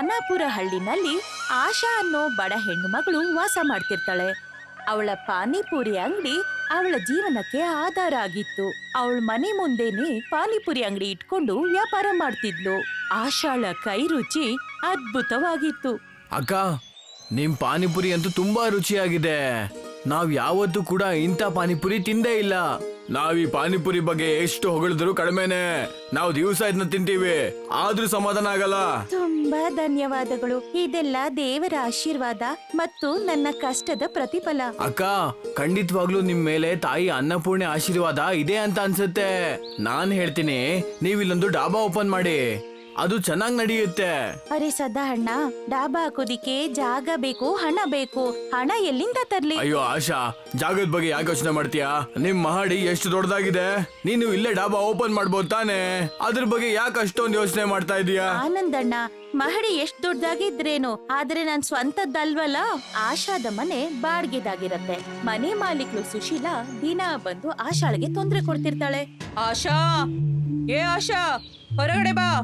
ಖಾನಾಪುರ ಹಳ್ಳಿನಲ್ಲಿ ಆಶಾ ಅನ್ನೋ ಬಡ ಹೆಣ್ಣು ಮಗಳು ವಾಸ ಮಾಡ್ತಿರ್ತಾಳೆ. ಅವಳ ಪಾನಿಪುರಿ ಅಂಗಡಿ ಅವಳ ಜೀವನಕ್ಕೆ ಆಧಾರ ಆಗಿತ್ತು. ಅವಳ ಮನೆ ಮುಂದೆನೆ ಪಾನಿಪುರಿ ಅಂಗಡಿ ಇಟ್ಕೊಂಡು ವ್ಯಾಪಾರ ಮಾಡ್ತಿದ್ಲು. ಆಶಾಳ ಕೈ ರುಚಿ ಅದ್ಭುತವಾಗಿತ್ತು. ಅಕ್ಕ, ನಿಮ್ ಪಾನಿಪುರಿ ಅಂತೂ ತುಂಬಾ ರುಚಿಯಾಗಿದೆ. ನಾವ್ ಯಾವತ್ತೂ ಕೂಡ ಇಂಥ ಪಾನಿಪುರಿ ತಿಂದೇ ಇಲ್ಲ. ನಾವ್ ಈ ಪಾನಿಪುರಿ ಬಗ್ಗೆ ಎಷ್ಟು ಹೊಗಳಿದ್ರು ಕಡಿಮೆನೆ. ನಾವು ದಿವಸ ಇದನ್ನ ತಿಂತೀವಿ, ಆದ್ರೂ ಸಮಾಧಾನ ಆಗಲ್ಲ. ತುಂಬಾ ಧನ್ಯವಾದಗಳು. ಇದೆಲ್ಲ ದೇವರ ಆಶೀರ್ವಾದ ಮತ್ತು ನನ್ನ ಕಷ್ಟದ ಪ್ರತಿಫಲ. ಅಕ್ಕ, ಖಂಡಿತವಾಗ್ಲೂ ನಿಮ್ ಮೇಲೆ ತಾಯಿ ಅನ್ನಪೂರ್ಣೆ ಆಶೀರ್ವಾದ ಇದೆ ಅಂತ ಅನ್ಸುತ್ತೆ. ನಾನ್ ಹೇಳ್ತೀನಿ, ನೀವ್ ಇಲ್ಲೊಂದು ಡಾಬಾ ಓಪನ್ ಮಾಡಿ, ಅದು ಚೆನ್ನಾಗ್ ನಡೆಯುತ್ತೆ. ಅರೆ ಸದಾ ಡಾಬಾ ಹಾಕೋದಿಕ್ಕೆ ಜಾಗ ಬೇಕು, ಹಣ ಬೇಕು. ಹಣ ಎಲ್ಲಿಂದ ತರ್ಲಿ? ಅಯ್ಯೋ ಆಶಾ, ಜಾಗದ ಬಗ್ಗೆ ಯಾಕೆ ಯೋಚನೆ ಮಾಡ್ತೀಯಾ? ನಿಮ್ ಮಹಡಿ ಎಷ್ಟು ದೊಡ್ಡದಾಗಿದೆ, ನೀನು ಇಲ್ಲೇ ಡಾಬಾ ಓಪನ್ ಮಾಡ್ಬೋದು ತಾನೆ. ಅದ್ರ ಬಗ್ಗೆ ಯಾಕೆ ಅಷ್ಟೊಂದು ಯೋಚನೆ ಮಾಡ್ತಾ ಇದೀಯಾ? ಆನಂದಣ್ಣ, ಮಹಡಿ ಎಷ್ಟ್ ದೊಡ್ಡದಾಗಿದ್ರೇನು, ಆದ್ರೆ ನನ್ ಸ್ವಂತದ್ದಲ್ವಲ್ಲ. ಆಶಾದ ಮನೆ ಬಾಡ್ಗೆದಾಗಿರತ್ತೆ. ಮನೆ ಮಾಲೀಕಳು ಸುಶೀಲಾ ದಿನ ಬಂದು ಆಶಾಳಿಗೆ ತೊಂದ್ರೆ ಕೊಡ್ತಿರ್ತಾಳೆ. ಆಶಾ, ಏ ಆಶಾ, ಹೊರಗಡೆ ಬಾ.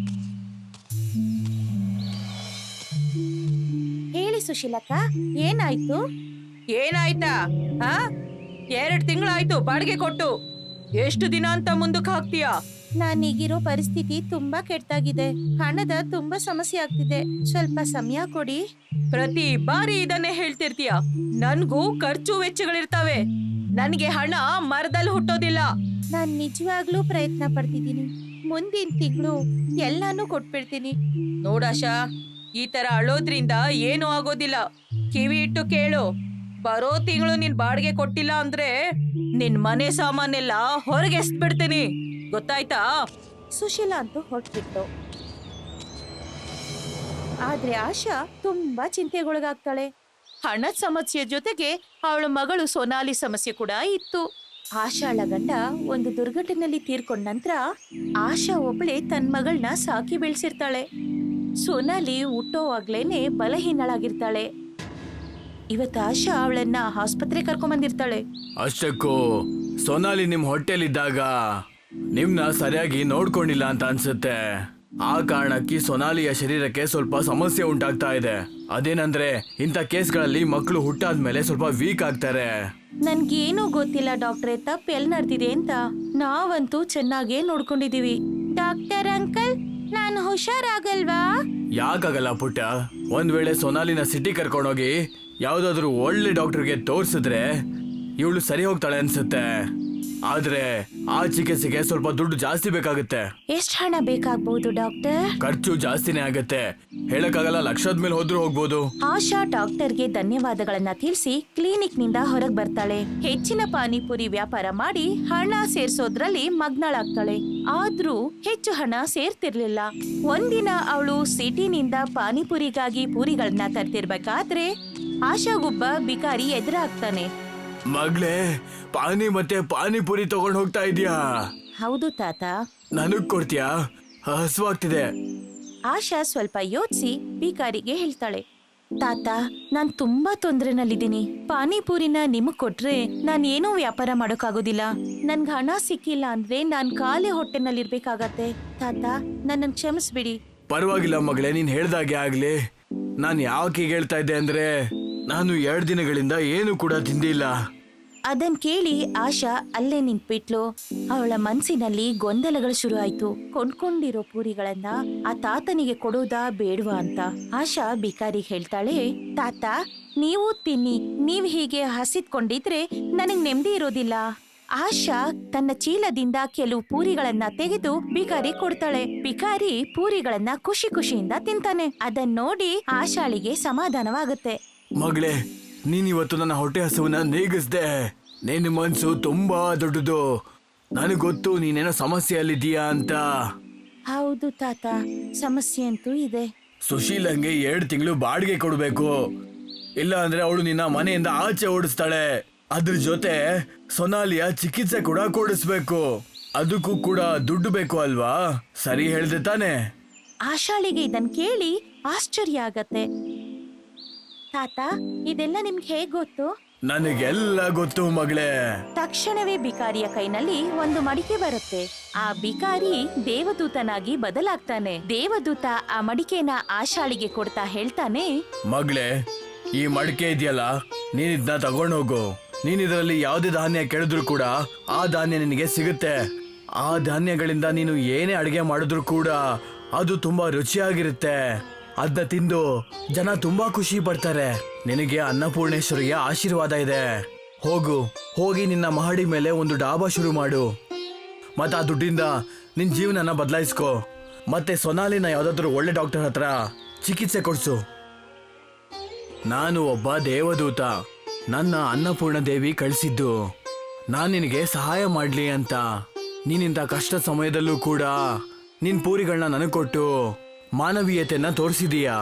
ಹೇಳಿ ಸುಶೀಲಕ್ಕ, ಏನಾಯ್ತು? ಏನಾಯ್ತಾ? 2 ತಿಂಗಳಾಯ್ತು ಬಾಡಿಗೆ ಕೊಟ್ಟು. ಎಷ್ಟು ದಿನ ಅಂತ ಮುಂದಕ್ಕೆ ಹಾಕ್ತೀಯಾ? ನಾನೀಗಿರೋ ಪರಿಸ್ಥಿತಿ ತುಂಬಾ ಕೆಟ್ಟಾಗಿದೆ. ಹಣದ ತುಂಬಾ ಸಮಸ್ಯೆ ಆಗ್ತಿದೆ. ಸ್ವಲ್ಪ ಸಮಯ ಕೊಡಿ. ಪ್ರತಿ ಬಾರಿ ಇದನ್ನೇ ಹೇಳ್ತಿರ್ತೀಯ. ನನ್ಗೂ ಖರ್ಚು ವೆಚ್ಚಗಳಿರ್ತಾವೆ. ನನ್ಗೆ ಹಣ ಮರದಲ್ಲಿ ಹುಟ್ಟೋದಿಲ್ಲ. ನಾನ್ ನಿಜವಾಗ್ಲೂ ಪ್ರಯತ್ನ ಪಡ್ತಿದ್ದೀನಿ. ಮುಂದಿನ ತಿಂಗಳು ಎಲ್ಲಾನು ಕೊಟ್ಬಿಡ್ತೀನಿ. ನೋಡಾಶಾ, ಈ ತರ ಅಳೋದ್ರಿಂದ ಏನು ಆಗೋದಿಲ್ಲ. ಕಿವಿ ಇಟ್ಟು ಕೇಳು. ಬರೋ ತಿಂಗಳು ನಿನ್ ಬಾಡಿಗೆ ಕೊಟ್ಟಿಲ್ಲ ಅಂದ್ರೆ ನಿನ್ ಮನೆ ಸಾಮಾನೆಲ್ಲ ಹೊರಗೆ ಎಸ್ಬಿಡ್ತೀನಿ, ಗೊತ್ತಾಯ್ತಾ? ಸುಶೀಲಾ ಅಂತೂ ಹೊರಟ್ಬಿಟ್ಟು. ಆದ್ರೆ ಆಶಾ ತುಂಬಾ ಚಿಂತೆಗೊಳಗಾಗ್ತಾಳೆ. ಹಣದ ಸಮಸ್ಯೆ ಜೊತೆಗೆ ಅವಳ ಮಗಳು ಸೋನಾಲಿ ಸಮಸ್ಯೆ ಕೂಡ ಇತ್ತು. ಆಶಾಳ ಗಂಡ ಒಂದು ದುರ್ಘಟನೆಯಲ್ಲಿ ತೀರ್ಕೊಂಡ ನಂತರ ಆಶಾ ಒಬ್ಳೆ ತನ್ನ ಮಗಳನ್ನ ಸಾಕಿ ಬೆಳೆಸಿರ್ತಾಳೆ. ಸೋನಾಲಿ ಹುಟ್ಟೋವಾಗ್ಲೇನೆ ಬಲಹೀನಳಾಗಿರ್ತಾಳೆ. ಇವತ್ತು ಆಶಾ ಅವಳನ್ನ ಆಸ್ಪತ್ರೆ ಕರ್ಕೊಂಡ್ ಬಂದಿರ್ತಾಳೆ. ಅಷ್ಟಕ್ಕೂ ಸೋನಾಲಿ ನಿಮ್ ಹೊಟ್ಟೆಲಿದ್ದಾಗ ನಿಮ್ನ ಸರಿಯಾಗಿ ನೋಡ್ಕೊಂಡಿಲ್ಲ ಅಂತ ಅನ್ಸುತ್ತೆ. ಆ ಕಾರಣಕ್ಕೆ ಸೋನಾಲಿಯ ಶರೀರಕ್ಕೆ ಸ್ವಲ್ಪ ಸಮಸ್ಯೆ ಉಂಟಾಗ್ತಾ ಇದೆ. ಅದೇನಂದ್ರೆ, ಇಂಥ ಕೇಸ್ಗಳಲ್ಲಿ ಮಕ್ಕಳು ಹುಟ್ಟಾದ್ಮೇಲೆ ಸ್ವಲ್ಪ ವೀಕ್ ಆಗ್ತಾರೆ. ನನ್ಗೇನು ಗೊತ್ತಿಲ್ಲ ಡಾಕ್ಟ್ರೆ, ತಪ್ಪು ಎಲ್ಲಿ ನಡೆದಿದೆ ಅಂತ. ನಾವಂತೂ ಚೆನ್ನಾಗೇ ನೋಡ್ಕೊಂಡಿದೀವಿ. ಡಾಕ್ಟರ್ ಅಂಕಲ್, ನಾನು ಹುಷಾರಾಗಲ್ವಾ? ಯಾಕಾಗಲ್ಲ ಪುಟ್ಟ. ಒಂದ್ ವೇಳೆ ಸೋನಾಲಿನ ಸಿಟಿ ಕರ್ಕೊಂಡೋಗಿ ಯಾವ್ದಾದ್ರು ಒಳ್ಳೆ ಡಾಕ್ಟರ್ಗೆ ತೋರ್ಸಿದ್ರೆ ಇವಳು ಸರಿ ಹೋಗ್ತಾಳೆ ಅನ್ಸುತ್ತೆ. ಆದ್ರೆ ಆ ಚಿಕಿತ್ಸೆಗೆ ಸ್ವಲ್ಪ ದುಡ್ಡು ಜಾಸ್ತಿ ಬೇಕಾಗುತ್ತೆ. ಎಷ್ಟು ಹಣ ಬೇಕಾಗ್ಬಹುದು ಡಾಕ್ಟರ್? ಖರ್ಚು ಜಾಸ್ತಿನೇ ಆಗತ್ತೆ, ಹೇಳಕ್ಕಾಗಲ್ಲ. ಲಕ್ಷದ ಮೇಲೆ ಹೋದ್ರೂ ಹೋಗ್ಬೋದು. ಆಶಾ ಡಾಕ್ಟರ್ಗೆ ಧನ್ಯವಾದಗಳನ್ನ ತಿಳಿಸಿ ಕ್ಲಿನಿಕ್ ನಿಂದ ಹೊರಗ್ ಬರ್ತಾಳೆ. ಹೆಚ್ಚಿನ ಪಾನಿಪುರಿ ವ್ಯಾಪಾರ ಮಾಡಿ ಹಣ ಸೇರ್ಸೋದ್ರಲ್ಲಿ ಮಗ್ನಳಾಗ್ತಾಳೆ. ಆದ್ರೂ ಹೆಚ್ಚು ಹಣ ಸೇರ್ತಿರ್ಲಿಲ್ಲ. ಒಂದಿನ ಅವಳು ಸಿಟಿನಿಂದ ಪಾನಿಪುರಿಗಾಗಿ ಪೂರಿಗಳನ್ನ ತರ್ತಿರ್ಬೇಕಾದ್ರೆ ಆಶಾಗೊಬ್ಬ ಬಿಕಾರಿ ಎದುರಾಗ್ತಾನೆ. ಮಗ್ಲೇ, ಪಾನಿ ಮತ್ತೆ ಪಾನಿಪುರಿ ತಗೊಂಡ್ ಹೋಗ್ತಾ ಇದೀಯಾ? ಹೌದು ತಾತ. ನನಗ್ ಕೊಡ್ತೀಯಾ? ಹಸುವಾಗ್ತಿದೆ. ಆಶಾ ಸ್ವಲ್ಪ ಯೋಚಿಸಿ ಬಿಕಾರಿಗೆ ಹೇಳ್ತಾಳೆ, ತಾತ, ನಾನ್ ತುಂಬಾ ತೊಂದ್ರೆನಲ್ಲಿದ್ದೀನಿ. ಪಾನಿಪುರಿನ ನಿಮಗ್ ಕೊಟ್ರೆ ನಾನ್ ಏನೂ ವ್ಯಾಪಾರ ಮಾಡೋಕ್ಕಾಗೋದಿಲ್ಲ. ನನ್ಗೆ ಹಣ ಸಿಕ್ಕಿಲ್ಲ ಅಂದ್ರೆ ನಾನ್ ಖಾಲಿ ಹೊಟ್ಟೆನಲ್ಲಿರ್ಬೇಕಾಗತ್ತೆ. ತಾತ, ನನ್ನನ್ನು ಕ್ಷಮಿಸ್ಬಿಡಿ. ಪರವಾಗಿಲ್ಲ ಮಗಳೇ, ನೀನ್ ಹೇಳ್ದಾಗೆ ಆಗ್ಲಿ. ನಾನ್ ಯಾಕೆ ಹೇಳ್ತಾ ಇದ್ದೆ ಅಂದ್ರೆ, ನಾನು 2 ದಿನಗಳಿಂದ ಏನು ಕೂಡ ತಿಂದಿಲ್ಲ. ಅದನ್ ಕೇಳಿ ಆಶಾ ಅಲ್ಲೇ ನಿಂತ್ಬಿಟ್ಲು. ಅವಳ ಮನ್ಸಿನಲ್ಲಿ ಗೊಂದಲಗಳು ಶುರು ಆಯ್ತು. ಕೊಂಡ್ಕೊಂಡಿರೋ ಪೂರಿಗಳನ್ನ ಆ ತಾತನಿಗೆ ಕೊಡೋದಾ ಬೇಡವಾ ಅಂತ. ಆಶಾ ಬಿಕಾರಿಗೆ ಹೇಳ್ತಾಳೆ, ತಾತ, ನೀವು ತಿನ್ನಿ. ನೀವ್ ಹೀಗೆ ಹಸಿದ್ಕೊಂಡಿದ್ರೆ ನನಗ್ ನೆಮ್ಮದಿ ಇರೋದಿಲ್ಲ. ಆಶಾ ತನ್ನ ಚೀಲದಿಂದ ಕೆಲವು ಪೂರಿಗಳನ್ನ ತೆಗೆದು ಬಿಕಾರಿ ಕೊಡ್ತಾಳೆ. ಬಿಕಾರಿ ಪೂರಿಗಳನ್ನ ಖುಷಿ ಖುಷಿಯಿಂದ ತಿಂತಾನೆ. ಅದನ್ನ ನೋಡಿ ಆಶಾಳಿಗೆ ಸಮಾಧಾನವಾಗುತ್ತೆ. ಮಗಳೇ, ನೀನಿವತ್ತು ನನ್ನ ಹೊಟ್ಟೆ ಹಸುವನ್ನ ನೀಗಿಸ್ದೆ. ನಿನ್ನ ಮನ್ಸು ತುಂಬಾ ದೊಡ್ಡದು. ನನಗ್ ಗೊತ್ತು ನೀನೇನೋ ಸಮಸ್ಯೆಯಲ್ಲಿದ್ದೀಯಾ ಅಂತ. ಹೌದು ತಾತ, ಸಮಸ್ಯೆ ಅಂತೂ ಇದೆ. ಸುಶೀಲಂಗೆ 2 ತಿಂಗಳು ಬಾಡಿಗೆ ಕೊಡ್ಬೇಕು, ಇಲ್ಲ ಅಂದ್ರೆ ಅವಳು ನಿನ್ನ ಮನೆಯಿಂದ ಆಚೆ ಓಡಿಸ್ತಾಳೆ. ಅದ್ರ ಜೊತೆ ಸೊನಾಲಿಯ ಚಿಕಿತ್ಸೆ ಕೂಡ ಕೊಡಿಸ್ಬೇಕು. ಅದಕ್ಕೂ ಕೂಡ ದುಡ್ಡು ಬೇಕು ಅಲ್ವಾ? ಸರಿ ಹೇಳ್ದೆ ತಾನೆ? ಆಶಾಳಿಗೆ ಇದನ್ ಕೇಳಿ ಆಶ್ಚರ್ಯ ಆಗತ್ತೆ. ತಾತ, ಇದೆಲ್ಲ ನಿಮ್ಗೆ ಹೇಗ್ ಗೊತ್ತು? ನನಗೆಲ್ಲ ಗೊತ್ತು ಮಗಳೇ. ತಕ್ಷಣವೇ ಬಿಕಾರಿಯ ಕೈನಲ್ಲಿ ಒಂದು ಮಡಿಕೆ ಬರುತ್ತೆ. ಆ ಬಿಕಾರಿ ದೇವದೂತನಾಗಿ ಬದಲಾಗ್ತಾನೆ. ದೇವದೂತ ಆ ಮಡಿಕೆನ ಆಶಾಳಿಗೆ ಕೊಡ್ತಾ ಹೇಳ್ತಾನೆ, ಮಗಳೇ, ಈ ಮಡಿಕೆ ಇದೆಯಲ್ಲ, ನೀನ್ ಇದನ್ನ ತಗೊಂಡೋಗು. ನೀನ್ ಇದರಲ್ಲಿ ಯಾವುದೇ ಧಾನ್ಯ ಕೇಳಿದ್ರು ಕೂಡ ಆ ಧಾನ್ಯ ನಿನಗೆ ಸಿಗುತ್ತೆ. ಆ ಧಾನ್ಯಗಳಿಂದ ನೀನು ಏನೇ ಅಡಿಗೆ ಮಾಡಿದ್ರು ಕೂಡ ಅದು ತುಂಬಾ ರುಚಿಯಾಗಿರುತ್ತೆ. ಅದನ್ನ ತಿಂದು ಜನ ತುಂಬಾ ಖುಷಿ ಪಡ್ತಾರೆ. ನಿನಗೆ ಅನ್ನಪೂರ್ಣೇಶ್ವರಿಯ ಆಶೀರ್ವಾದ ಇದೆ. ಹೋಗಿ ನಿನ್ನ ಮಹಡಿ ಮೇಲೆ ಒಂದು ಡಾಬಾ ಶುರು ಮಾಡು. ಮತ್ತೆ ಆ ದುಡ್ಡಿಂದ ನಿನ್ ಜೀವನನ ಬದಲಾಯಿಸ್ಕೋ. ಮತ್ತೆ ಸೊನಾಲಿನ ಯಾವ್ದಾದ್ರು ಒಳ್ಳೆ ಡಾಕ್ಟರ್ ಹತ್ರ ಚಿಕಿತ್ಸೆ ಕೊಡ್ಸು. ನಾನು ಒಬ್ಬ ದೇವದೂತ. ನನ್ನ ಅನ್ನಪೂರ್ಣ ದೇವಿ ಕಳಿಸಿದ್ದು ನಾನು ನಿನಗೆ ಸಹಾಯ ಮಾಡ್ಲಿ ಅಂತ. ನೀನಿಂತ ಕಷ್ಟ ಸಮಯದಲ್ಲೂ ಕೂಡ ನಿನ್ ಪೂರಿಗಳನ್ನ ನನಗೆ ಕೊಟ್ಟು ಮಾನವೀಯತೆಯನ್ನ ತೋರಿಸಿದೀಯಾ.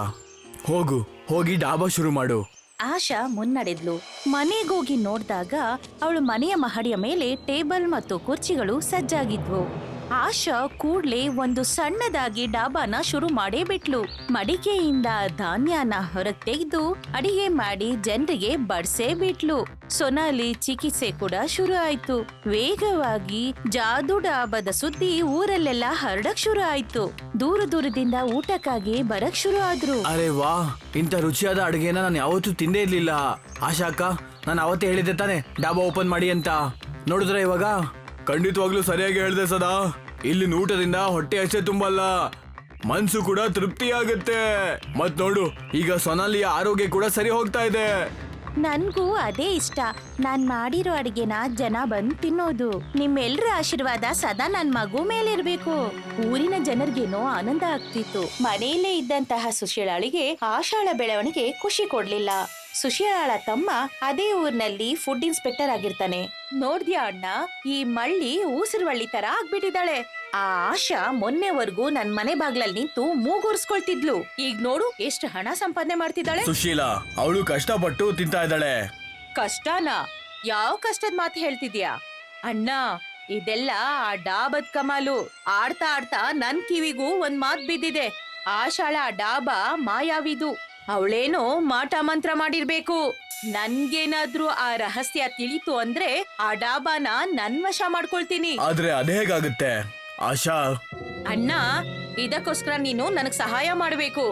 ಹೋಗಿ ಡಾಬಾ ಶುರು ಮಾಡು. ಆಶಾ ಮುನ್ನಡೆದ್ಲು. ಮನೆಗೋಗಿ ನೋಡ್ದಾಗ ಅವಳು ಮನೆಯ ಮಹಡಿಯ ಮೇಲೆ ಟೇಬಲ್ ಮತ್ತು ಕುರ್ಚಿಗಳು ಸಜ್ಜಾಗಿದ್ವು. ಆಶಾ ಕೂಡ್ಲೆ ಒಂದು ಸಣ್ಣದಾಗಿ ಡಾಬಾನ ಶುರು ಮಾಡೇ ಬಿಟ್ಲು. ಮಡಿಕೆಯಿಂದ ಧಾನ್ಯನ ಹೊರಗ್ ತೆಗೆದು ಅಡಿಗೆ ಮಾಡಿ ಜನರಿಗೆ ಬಡ್ಸೇ ಬಿಟ್ಲು. ಸೊನಾಲಿ ಚಿಕಿತ್ಸೆ ಕೂಡ ಶುರು ಆಯ್ತು. ವೇಗವಾಗಿ ಜಾದೂ ಡಾಬಾದ ಸುದ್ದಿ ಊರಲ್ಲೆಲ್ಲ ಹರಡಕ್ ಶುರು ಆಯ್ತು. ದೂರದಿಂದ ಊಟಕ್ಕಾಗಿ ಬರಕ್ ಶುರು ಆದ್ರು. ಅರೆ ವಾ, ಇಂಥ ರುಚಿಯಾದ ಅಡುಗೆನ ನಾನು ಯಾವತ್ತೂ ತಿಂದೇ ಇರ್ಲಿಲ್ಲ. ಆಶಾ ಅಕ್ಕ, ನಾನು ಅವತ್ತೇ ಹೇಳಿದ್ದೆ ತಾನೆ ಡಾಬಾ ಓಪನ್ ಮಾಡಿ ಅಂತ. ನೋಡಿದ್ರೆ ಇವಾಗ ಖಂಡಿತವಾಗ್ಲೂ ಸರಿಯಾಗಿ ಹೇಳ್ದೆ ಸದಾ. ಇಲ್ಲಿನ ಊಟದಿಂದ ಹೊಟ್ಟೆ ಅಷ್ಟೇ ತುಂಬಲ್ಲ, ಮನ್ಸು ಕೂಡ ತೃಪ್ತಿ ಆಗುತ್ತೆ. ಮತ್ ನೋಡು, ಈಗ ಸೊನಾಲಿಯ ಆರೋಗ್ಯ ಕೂಡ ಸರಿ ಹೋಗ್ತಾ ಇದೆ. ನನ್ಗೂ ಅದೇ ಇಷ್ಟ. ನಾನ್ ಮಾಡಿರೋ ಅಡಿಗೆನ ಜನ ಬಂದ್ ತಿನ್ನೋದು. ನಿಮ್ಮೆಲ್ರ ಆಶೀರ್ವಾದ ಸದಾ ನನ್ ಮಗು ಮೇಲಿರ್ಬೇಕು. ಊರಿನ ಜನರಿಗೇನೋ ಆನಂದ ಆಗ್ತಿತ್ತು. ಮನೆಯಲ್ಲೇ ಇದ್ದಂತಹ ಸುಶೀಲಾಳಿಗೆ ಆಶಾಳ ಬೆಳವಣಿಗೆ ಖುಷಿ ಕೊಡ್ಲಿಲ್ಲ. ಸುಶೀಲಾಳ ತಮ್ಮ ಅದೇ ಊರ್ನಲ್ಲಿ ಫುಡ್ ಇನ್ಸ್ಪೆಕ್ಟರ್ ಆಗಿರ್ತಾನೆ. ನೋಡ್ದ್ಯಾ ಅಣ್ಣ, ಈ ಮಳ್ಳಿ ಊಸಿರುವಳ್ಳಿ ತರ ಆಗ್ಬಿಟ್ಟಿದ್ದಾಳೆ. ಆ ಆಶಾ ಮೊನ್ನೆವರೆಗೂ ನನ್ ಮನೆ ಬಾಗ್ಲಲ್ಲಿ ನಿಂತು ಮೂಗೂರ್ಸ್ಕೊಳ್ತಿದ್ಲು. ಈಗ ನೋಡು ಎಷ್ಟು ಹಣ ಸಂಪಾದನೆ ಮಾಡ್ತಿದ್ದಾಳೆ. ಸುಶೀಲಾ ಅವಳು ಕಷ್ಟಪಟ್ಟು ತಿಂತಾ ಇದ್ದಾಳೆ. ಕಷ್ಟನಾ? ಯಾವ ಕಷ್ಟದ ಮಾತು ಹೇಳ್ತಿದ್ಯಾ ಅಣ್ಣ? ಇದೆಲ್ಲ ಆ ಡಾಬದ್ ಕಮಾಲು. ಆಡ್ತಾ ನನ್ ಕಿವಿಗೂ ಒಂದ್ ಮಾತ್ ಬಿದ್ದಿದೆ. ಆಶಾಳ ಡಾಬಾ ಮಾಯಾವಿದು. ಅವಳೇನೋ ಮಾಟ ಮಂತ್ರ ಮಾಡಿರ್ಬೇಕು. ನನ್ಗೇನಾದ್ರೂ ಆ ರಹಸ್ಯ ತಿಳಿತು ಅಂದ್ರೆ ಆ ಡಾಬಾನ ನನ್ ವಶ ಮಾಡ್ಕೊಳ್ತೀನಿ. ಆದ್ರೆ ಅದೇ ಹೇಗಾಗುತ್ತೆ ಆಶಾ? ಅಣ್ಣ, ಇದಕ್ಕೋಸ್ಕರ ನೀನು ನನಗ್ ಸಹಾಯ ಮಾಡ್ಬೇಕು.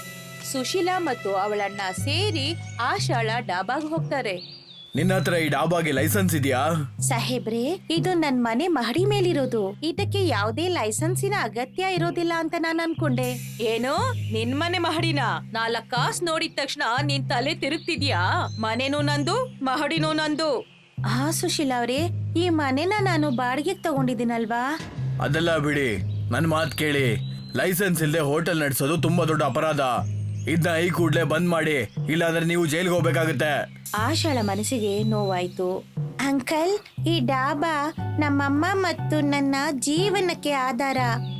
ಸುಶೀಲಾ ಮತ್ತು ಅವಳಣ್ಣ ಸೇರಿ ಆಶಾಳ ಡಾಬಾಗ್ ಹೋಗ್ತಾರೆ. ನಿನ್ನ ಹತ್ರ ಈ ಡಾಬಾಗೆ ಲೈಸೆನ್ಸ್ ಇದೆಯಾ? ಸಾಹೇಬ್ರೆ, ಇದು ನನ್ ಮನೆ ಮಹಡಿ ಮೇಲಿರೋದು. ಇದಕ್ಕೆ ಯಾವುದೇ ಲೈಸೆನ್ಸಿನ ಅಗತ್ಯ ಇರೋದಿಲ್ಲ ಅಂತ ನಾನ್ ಅನ್ಕೊಂಡೆ. ಏನೋ ನಿನ್ ಮನೆ ಮಹಡಿನ 4 ಕಾಸು ನೋಡಿದ ತಕ್ಷಣ ನಿನ್ ತಲೆ ತಿರುಗ್ತಿದ್ಯಾ? ಮನೆನೂ ನಂದು, ಮಹಡಿನೂ ನಂದು. ಹಾ ಸುಶೀಲಾ ಅವ್ರೆ, ಈ ಮನೆನ ನಾನು ಬಾಡಿಗೆಗೆ ತಗೊಂಡಿದ್ದೀನಲ್ವಾ? ಅದೆಲ್ಲ ಬಿಡಿ, ನನ್ ಮಾತ್ ಕೇಳಿ. ಲೈಸೆನ್ಸ್ ಇಲ್ಲದೆ ಹೋಟೆಲ್ ನಡೆಸೋದು ತುಂಬಾ ದೊಡ್ಡ ಅಪರಾಧ. ಇದನ್ನ ಈ ಕೂಡ್ಲೆ ಬಂದ್ ಮಾಡಿ, ಇಲ್ಲಾಂದ್ರೆ ನೀವು ಜೈಲ್ಗೆ ಹೋಗ್ಬೇಕಾಗುತ್ತೆ. ಆಶಾಳ ಮನಸ್ಸಿಗೆ ನೋವಾಯ್ತು. ಅಂಕಲ್, ಈ ಡಾಬಾ ನಮ್ಮಮ್ಮ ಮತ್ತು ನನ್ನ ಜೀವನಕ್ಕೆ ಆಧಾರ.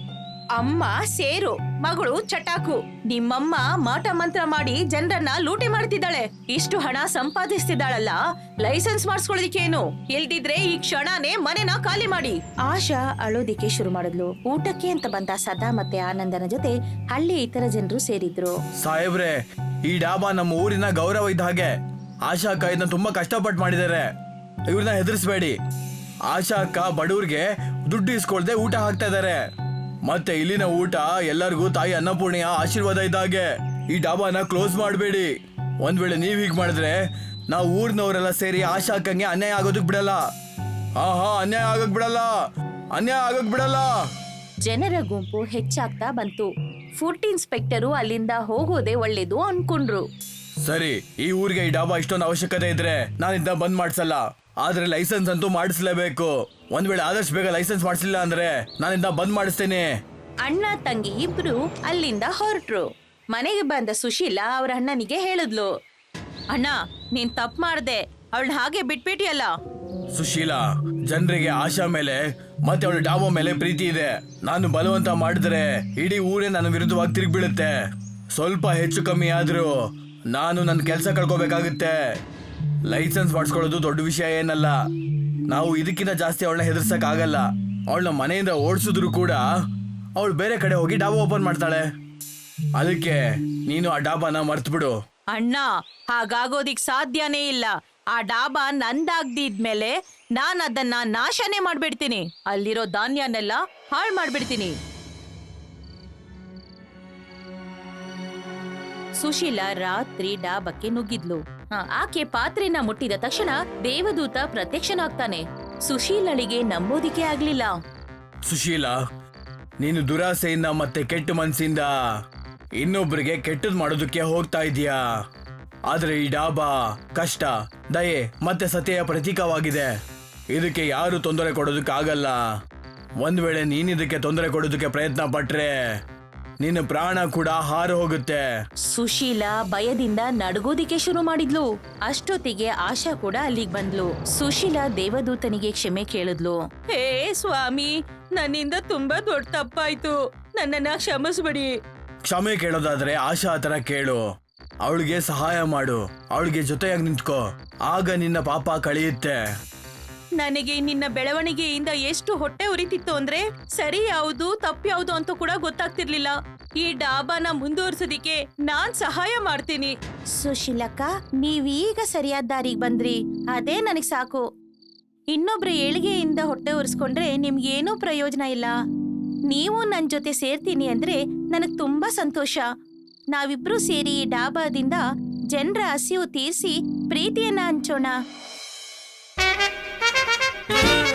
ಅಮ್ಮ ಸೇರು, ಮಗಳು ಚಟಾಕು. ನಿಮ್ಮಮ್ಮ ಮಾಟ ಮಂತ್ರ ಮಾಡಿ ಜನರನ್ನ ಲೂಟಿ ಮಾಡ್ತಿದ್ದಾಳೆ. ಇಷ್ಟು ಹಣ ಸಂಪಾದಿಸ್ತಿದ್ದಾಳಲ್ಲ, ಲೈಸೆನ್ಸ್ ಮಾಡಿಸ್ಕೊಳ್ಳೋದಿಕ್ಕೇನು? ಇಲ್ದಿದ್ರೆ ಈ ಕ್ಷಣನೇ ಮನೆನ ಖಾಲಿ ಮಾಡಿ. ಆಶಾ ಅಳೋದಿಕ್ಕೆ ಶುರು ಮಾಡಿದ್ಲು. ಊಟಕ್ಕೆ ಅಂತ ಬಂದ ಸದಾ ಮತ್ತೆ ಆನಂದನ ಜೊತೆ ಹಳ್ಳಿ ಇತರ ಜನರು ಸೇರಿದ್ರು. ಸಾಹೇಬ್ರೆ, ಈ ಡಾಬಾ ನಮ್ಮ ಊರಿನ ಗೌರವ ಇದ್ದ ಹಾಗೆ. ಆಶಾ ಅಕ್ಕ ಇದನ್ನ ತುಂಬಾ ಕಷ್ಟಪಟ್ಟು ಮಾಡಿದ್ದಾರೆ. ಇವ್ರನ್ನ ಹೆದರ್ಸ್ಬೇಡಿ. ಆಶಾ ಅಕ್ಕ ಬಡವ್ರಿಗೆ ದುಡ್ಡು ಇಸ್ಕೊಳ್ದೆ ಊಟ ಹಾಕ್ತಾ ಇದಾರೆ. ಮತ್ತೆ ಇಲ್ಲಿನ ಊಟ ಎಲ್ಲರಿಗೂ ತಾಯಿ ಅನ್ನಪೂರ್ಣೆಯ ಆಶೀರ್ವಾದ ಇದ್ದಾಗೆ. ಈ ಡಾಬಾನ ಕ್ಲೋಸ್ ಮಾಡಬೇಡಿ. ಒಂದ್ ವೇಳೆ ನೀವ್ ಹೀಗ್ ಮಾಡಿದ್ರೆ ನಾವು ಊರಿನವರೆಲ್ಲ ಸೇರಿ ಆಶಾ ಅಕ್ಕಂಗೆ ಅನ್ಯಾಯ ಆಗೋದಕ್ ಬಿಡಲ್ಲ. ಅನ್ಯಾಯ ಆಗಕ್ ಬಿಡಲ್ಲ. ಜನರ ಗುಂಪು ಹೆಚ್ಚಾಗ್ತಾ ಬಂತು. ಫುಡ್ ಇನ್ಸ್ಪೆಕ್ಟರು ಅಲ್ಲಿಂದ ಹೋಗೋದೇ ಒಳ್ಳೇದು ಅನ್ಕೊಂಡ್ರು. ಸರಿ, ಈ ಊರಿಗೆ ಈ ಡಾಬಾ ಇಷ್ಟೊಂದು ಅವಶ್ಯಕತೆ ಇದ್ರೆ ನಾನಿಂದ ಬಂದ್ ಮಾಡ್ಸಲ್ಲ. ಆದ್ರೆ ಲೈಸೆನ್ಸ್ ಅಂತೂ ಮಾಡಿಸ್ಲೇಬೇಕು. ಒಂದ್ ವೇಳೆ ಆದಷ್ಟು ಬೇಗ ಲೈಸೆನ್ಸ್ ಮಾಡಿಸಿಲ್ಲ ಅಂದ್ರೆ ನಾನಿಂದ ಬಂದ್ ಮಾಡಿಸ್ತೇನೆ. ಅಣ್ಣ ತಂಗಿ ಇಬ್ರು ಅಲ್ಲಿಂದ ಹೊರಟ್ರು. ಮನೆಗೆ ಬಂದ ಸುಶೀಲಾ ಅವ್ರ ಅಣ್ಣನಿಗೆ ಹೇಳಿದ್ಲು, ಅಣ್ಣ, ನೀನ್ ತಪ್ಪು ಮಾಡ್ದೆ, ಅವಳನ್ನ ಹಾಗೆ ಬಿಟ್ಬಿಟ್ಟಿಯಲ್ಲ. ಸುಶೀಲಾ, ಜನರಿಗೆ ಆಶಾ ಮೇಲೆ ಮತ್ತೆ ಅವಳ ಡಾಬಾ ಮೇಲೆ ಪ್ರೀತಿ ಇದೆ. ನಾನು ಬಲವಂತ ಮಾಡಿದ್ರೆ ಇಡೀ ಊರೇ ನನ್ನ ವಿರುದ್ಧವಾಗಿ ತಿರುಗ್ಬೀಳುತ್ತೆ. ಸ್ವಲ್ಪ ಹೆಚ್ಚು ಕಮ್ಮಿ ಆದ್ರೂ ನಾನು ನನ್ನ ಕೆಲಸ ಕಳ್ಕೋಬೇಕಾಗುತ್ತೆ. ಲೈಸೆನ್ಸ್ ಮಾಡಿಸ್ಕೊಳ್ಳೋದು ದೊಡ್ಡ ವಿಷಯ ಏನಲ್ಲ. ನಾವು ಇದಕ್ಕಿಂತ ಜಾಸ್ತಿ ಅವಳನ್ನ ಹೆದರ್ಸಕ್ ಆಗಲ್ಲ. ಅವಳನ್ನ ಮನೆಯಿಂದ ಓಡಿಸಿದ್ರು ಕೂಡ ಅವಳು ಬೇರೆ ಕಡೆ ಹೋಗಿ ಡಾಬಾ ಓಪನ್ ಮಾಡ್ತಾಳೆ. ಅದಕ್ಕೆ ನೀನು ಆ ಡಾಬಾನ ಮರ್ತು ಬಿಡು. ಅಣ್ಣ, ಹಾಗಾಗೋದಿಕ್ ಸಾಧ್ಯನೇ ಇಲ್ಲ. ಆ ಡಾಬಾ ನಂದಾಗ್ದಿದ್ಮೇಲೆ ನಾನ್ ಅದನ್ನ ನಾಶನೇ ಮಾಡ್ಬಿಡ್ತೀನಿ. ಅಲ್ಲಿರೋ ಧಾನ್ಯನೆಲ್ಲ ಹಾಳು ಮಾಡ್ಬಿಡ್ತೀನಿ. ಸುಶೀಲಾ ರಾತ್ರಿ ಡಾಬಾಕ್ಕೆ ನುಗ್ಗಿದ್ಲು. ಆಕೆ ಪಾತ್ರೆನ ಮುಟ್ಟಿದ ತಕ್ಷಣ ದೇವದೂತ ಪ್ರತ್ಯಕ್ಷನಾಗ್ತಾನೆ. ಸುಶೀಲಳಿಗೆ ನಂಬೋದಿಕ್ಕೆ ಆಗ್ಲಿಲ್ಲ. ಸುಶೀಲಾ, ನೀನು ದುರಾಸೆಯಿಂದ ಮತ್ತೆ ಕೆಟ್ಟ ಮನ್ಸಿಂದ ಇನ್ನೊಬ್ರಿಗೆ ಕೆಟ್ಟದ್ ಮಾಡೋದಕ್ಕೆ ಹೋಗ್ತಾ ಇದೀಯಾ. ಆದ್ರೆ ಈ ಡಾಬಾ ಕಷ್ಟ, ದಯೆ ಮತ್ತೆ ಸತ್ಯೆಯ ಪ್ರತೀಕವಾಗಿದೆ. ಇದಕ್ಕೆ ಯಾರು ತೊಂದರೆ ಕೊಡೋದಕ್ಕಾಗಲ್ಲ. ಒಂದ್ ವೇಳೆ ನೀನಿದಕ್ಕೆ ತೊಂದರೆ ಕೊಡೋದಕ್ಕೆ ಪ್ರಯತ್ನ ಪಟ್ರೆ ನಿನ್ನ ಪ್ರಾಣ ಕೂಡ ಹಾರು ಹೋಗುತ್ತೆ. ಸುಶೀಲಾ ಭಯದಿಂದ ನಡುಗೋದಿಕ್ಕೆ ಶುರು ಮಾಡಿದ್ಲು. ಅಷ್ಟೊತ್ತಿಗೆ ಆಶಾ ಕೂಡ ಅಲ್ಲಿಗೆ ಬಂದ್ಲು. ಸುಶೀಲಾ ದೇವದೂತನಿಗೆ ಕ್ಷಮೆ ಕೇಳಿದ್ಲು. ಹೇ ಸ್ವಾಮಿ, ನನ್ನಿಂದ ತುಂಬಾ ದೊಡ್ಡ ತಪ್ಪಾಯ್ತು, ನನ್ನನ್ನ ಕ್ಷಮಿಸ್ಬಿಡಿ. ಕ್ಷಮೆ ಕೇಳೋದಾದ್ರೆ ಆಶಾ ಹತ್ರ ಕೇಳು. ಅವಳಿಗೆ ಸಹಾಯ ಮಾಡು, ಅವಳಿಗೆ ಜೊತೆಯಾಗಿ ನಿಂತ್ಕೋ. ಆಗ ನಿನ್ನ ಪಾಪ ಕಳೆಯುತ್ತೆ. ನನಗೆ ನಿನ್ನ ಬೆಳವಣಿಗೆಯಿಂದ ಎಷ್ಟು ಹೊಟ್ಟೆ ಉರಿತಿತ್ತು ಅಂದ್ರೆ ಸರಿ ಯಾವುದು ತಪ್ಪು ಯಾವುದು ಅಂತ ಕೂಡ ಗೊತ್ತಾಗ್ತಿರ್ಲಿಲ್ಲ. ಈ ಡಾಬಾನ ಮುಂದುವರ್ಸೋದಿಕ್ಕೆ ನಾನ್ ಸಹಾಯ ಮಾಡ್ತೀನಿ. ಸುಶೀಲಕ್ಕ, ನೀವೀಗ ಸರಿಯಾದ ದಾರಿಗೆ ಬಂದ್ರಿ, ಅದೇ ನನಗ್ ಸಾಕು. ಇನ್ನೊಬ್ರ ಏಳಿಗೆಯಿಂದ ಹೊಟ್ಟೆ ಉರ್ಸ್ಕೊಂಡ್ರೆ ನಿಮ್ಗೇನೂ ಪ್ರಯೋಜನ ಇಲ್ಲ. ನೀವು ನನ್ ಜೊತೆ ಸೇರ್ತೀನಿ ಅಂದ್ರೆ ನನಗ್ ತುಂಬಾ ಸಂತೋಷ. ನಾವಿಬ್ರು ಸೇರಿ ಈ ಡಾಬಾದಿಂದ ಜನರ ಹಸಿವು ತೀರಿಸಿ ಪ್ರೀತಿಯನ್ನ ಹಂಚೋಣ.